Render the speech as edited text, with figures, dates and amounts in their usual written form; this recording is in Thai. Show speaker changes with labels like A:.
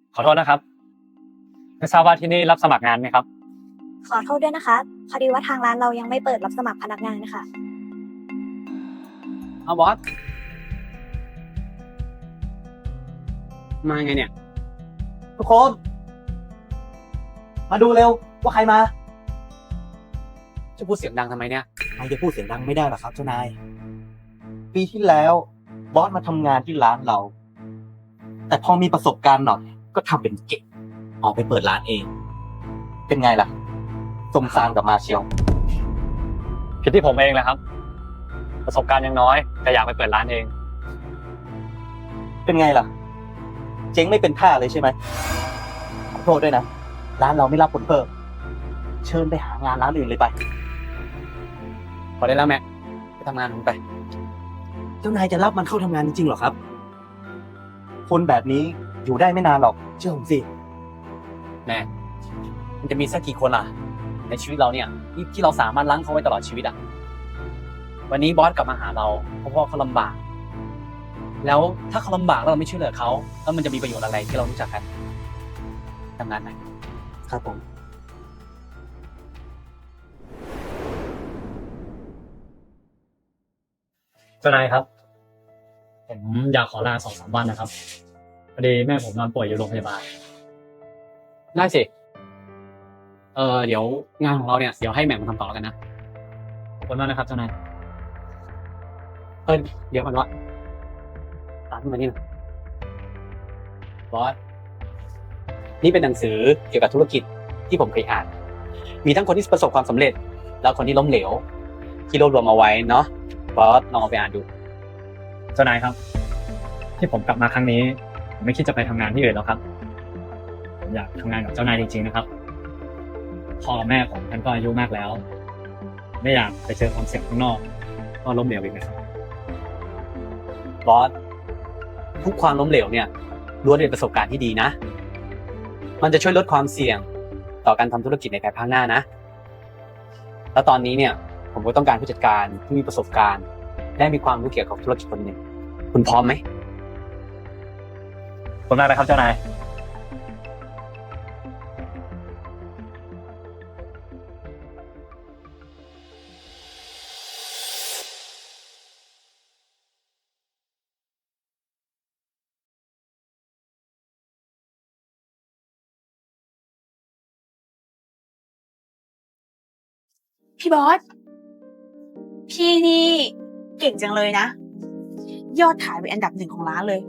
A: ขอโทษนะครับไม่ทราบว่าที่นี่รับสมัครงานไหมครับ
B: ขอโทษด้วยนะคะพอดีว่าทางร้านเรายังไม่เปิดรับสมัครพนักงานนะคะ
A: เอาบอสมาไงเนี่ย
C: ทุกคนมาดูเร็วว่าใครมา
A: จะพูดเสียงดังทำไมเนี่ย
C: ไม่ได้พูดเสียงดังไม่ได้หรอกครับเจ้านายปีที่แล้วบอสมาทำงานที่ร้านเรา แต่พอมีประสบการณ์หน่อยก็ทำเป็นเก่งออกไปเปิดร้านเอง เป็นไงล่ะสมซานกับมาเชียว
A: ผิดที่ผมเองแหละครับ ประสบการณ์ยังน้อยแต่อยากไปเปิดร้านเอง
C: เป็นไงล่ะ เจ๊งไม่เป็นท่าเลยใช่ไหมขอโทษด้วยนะร้านเราไม่รับคนเพิ่มเชิญไปหางานร้านอื่นเลยไป
A: พอได้แล้วแม็กไปทำงานผมไป
C: เจ้านายจะรับมันเข้าทำงานจริงๆเหรอครับ คนแบบนี้อยู่ได้ไม่นานหรอกเชื่อผมสิ
A: แม่มันจะมีสักกี่คนล่ะ ในชีวิตเราเนี่ยที่เราสามารถล้างเขาไว้ตลอดชีวิตอ่ะวันนี้บอสกลับมาหาเราเพราะว่าเขาลำบาก แล้วถ้าเขาลำบากแล้วเราไม่ช่วยเหลือเขาแล้วมันจะมีประโยชน์อะไรที่เรารู้จักกันทำงานไหน
C: ครับผม
A: เจ้านายครับผมอยากขอลา2-3 วันนะครับพอดีแม่ผมนอนป่วยอยู่โรงพยาบาลได้สิเดี๋ยวงานของเราเนี่ยเดี๋ยวให้แหม่มมาทำต่อแล้วกันนะขอบคุณมากนะครับเจ้านายเดี๋ยวก่อนวะตามขึ้นมานี่นะบอสนี่เป็นหนังสือเกี่ยวกับธุรกิจที่ผมเคยอ่านมีทั้งคนที่ประสบความสำเร็จแล้วคนที่ล้มเหลวที่รวบรวมเอาไว้เนาะบอสลองเอาไปอ่านดูเจ้านายครับที่ผมกลับมาครั้งนี้ผมไม่คิดจะไปทำงานที่อื่นแล้วครับผมอยากทำงานกับเจ้านายจริงๆนะครับพ่อแม่ผมท่านก็อายุมากแล้วไม่อยากไปเจอความเสี่ยงข้างนอกก็ล้มเหลวอีกนะครับบอสทุกความล้มเหลวเนี่ยล้วนเป็นประสบการณ์ที่ดีนะมันจะช่วยลดความเสี่ยงต่อการทำธุรกิจในภายภาคหน้านะแล้วตอนนี้เนี่ยผมก็ต้องการผู้จัดการที่มีประสบการณ์และมีความรู้เกี่ยวกับธุรกิจคนหนึ่งคุณพร้อมไหมขอบคุณมากนะครับเจ้านาย
B: พี่บอสพี่นี่เก่งจังเลยนะยอดขายเป็นอันดับ1ของร้านเลย